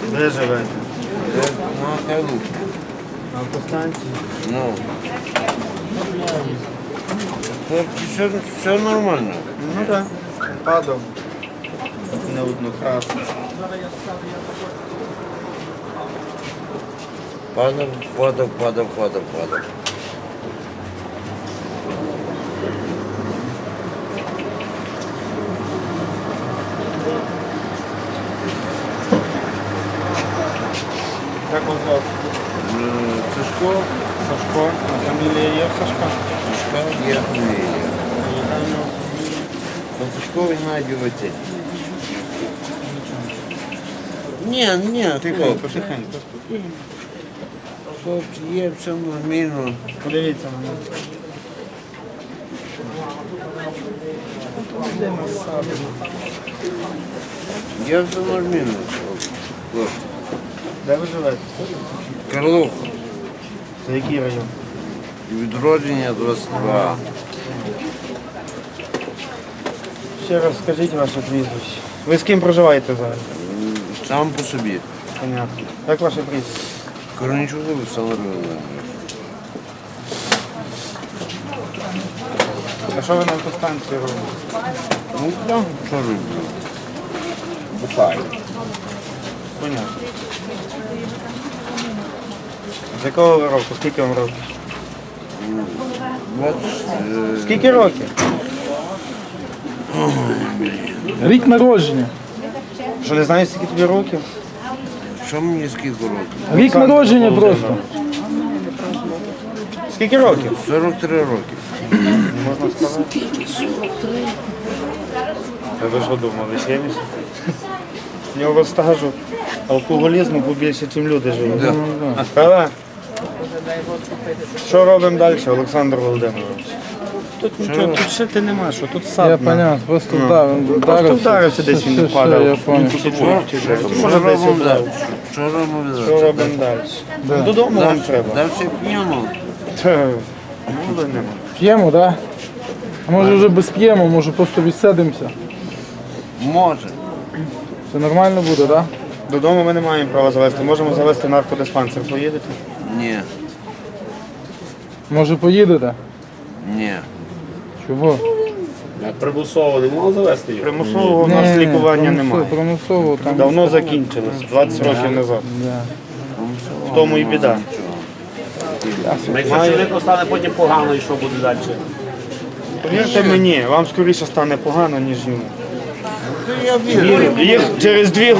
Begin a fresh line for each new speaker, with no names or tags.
Де живете?
На Кайлу.
На автостанції?
Ну. Все нормально.
Ну так. Падав. Не одну раз.
Падав.
Як вас звати?
Сашко,
Сашко. А фамілія є в Сашка?
Сашко, є фамілія. Сашко Геннадій Вацетій. Ні,
Тихенько, тихенько, спокійно.
хлопці, є все нормально.
Подивіться на мене.
Я все нормально, хлопці.
Де ви живете?
Карлух,
Це який район?
відродження 22.
Ще раз скажіть ваше прізвище. Ви з ким проживаєте зараз?
Сам по собі.
Понятно. Як ваше прізвище?
Корнічук Олександр Володимирович.
А що ви на автостанції робите?
Ну так, що роблю?
Бухаю. Понятно. З якого ви року? Скільки вам років? Скільки років?
Рік народження.
Що не знаєш, скільки тобі років?
Що мені скільки років?
Рік народження просто.
Скільки років?
43 роки.
Не можна сказати. А ви що думали, 70? У нього стажу алкоголізму побільше, ніж люди живуть.
Да.
Правда? Що робимо далі, Олександр Володимирович? Тут нічого, тут шити нема, що тут сад.
Я понятно, просто вдарив.
Просто вдарився десь, він падав.
Я понял.
Може десь ударив.
Що робимо
Що
далі?
робимо далі? Ну, додому вам треба.
Далі п'ємо.
Мови нема.
П'ємо, так? Да? А може вже без п'ємо, може просто відсидимося.
Може.
Це нормально буде, так? Да?
Додому ми не маємо права завести. Можемо завести наркодиспансер. Поїдете?
Ні.
Може поїдете?
Ні.
Чого?
Примусово не можна завести його?
Примусового у нас лікування немає.
Примусово там.
Давно закінчилось, 20 років назад.
Да.
В тому і біда.
Якщо чоловіку стане потім погано, і що буде далі?
Повірте мені, вам скоріше стане погано, ніж йому.
Я вірю.
Їх через 2